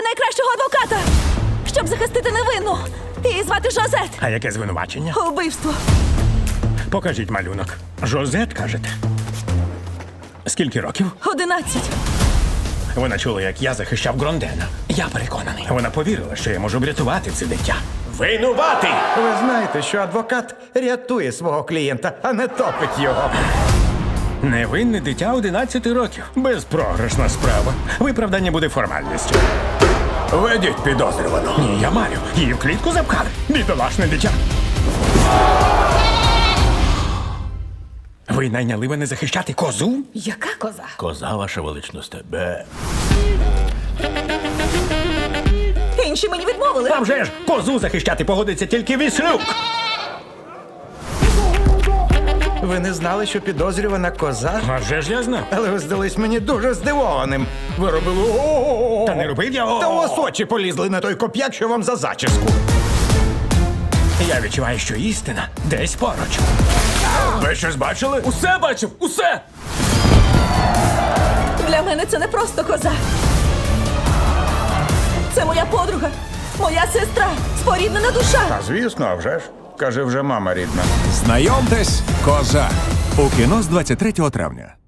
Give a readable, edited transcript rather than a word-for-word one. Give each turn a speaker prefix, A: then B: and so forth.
A: найкращого адвоката, щоб захистити невинну. Її звати Жозет.
B: А яке звинувачення?
A: Убивство.
B: Покажіть малюнок. Жозет, кажете? Скільки років?
A: 11.
B: Вона чула, як я захищав Грондена. Я переконаний. Вона повірила, що я можу врятувати це дитя. Винуватий!
C: Ви знаєте, що адвокат рятує свого клієнта, а не топить його.
B: Невинне дитя 11 років. Безпрограшна справа. Виправдання буде формальністю. Ведіть підозрювану. Ні, я марю. Її в клітку запхали. Бідолашне дитя. Ви найняли мене захищати козу?
A: Яка коза?
B: Коза, ваша величність, тебе.
A: Інші мені відмовили.
B: А вже ж, козу захищати погодиться тільки Віслюк.
C: Ви не знали, що підозрювана коза?
B: А вже ж я знав.
C: Але ви здались мені дуже здивованим. Ви робили о-о-о.
B: Та не робив я.
C: Та у вас очі полізли на той коп'як, що вам за зачіску.
B: Я відчуваю, що істина десь поруч. Ви щось бачили?
D: Усе бачив, усе!
A: Для мене це не просто коза. Це моя подруга, моя сестра, споріднена душа.
C: А звісно, а вже ж. Каже, вже мама рідна.
E: Знайомтесь, коза. У кіно з 23 травня.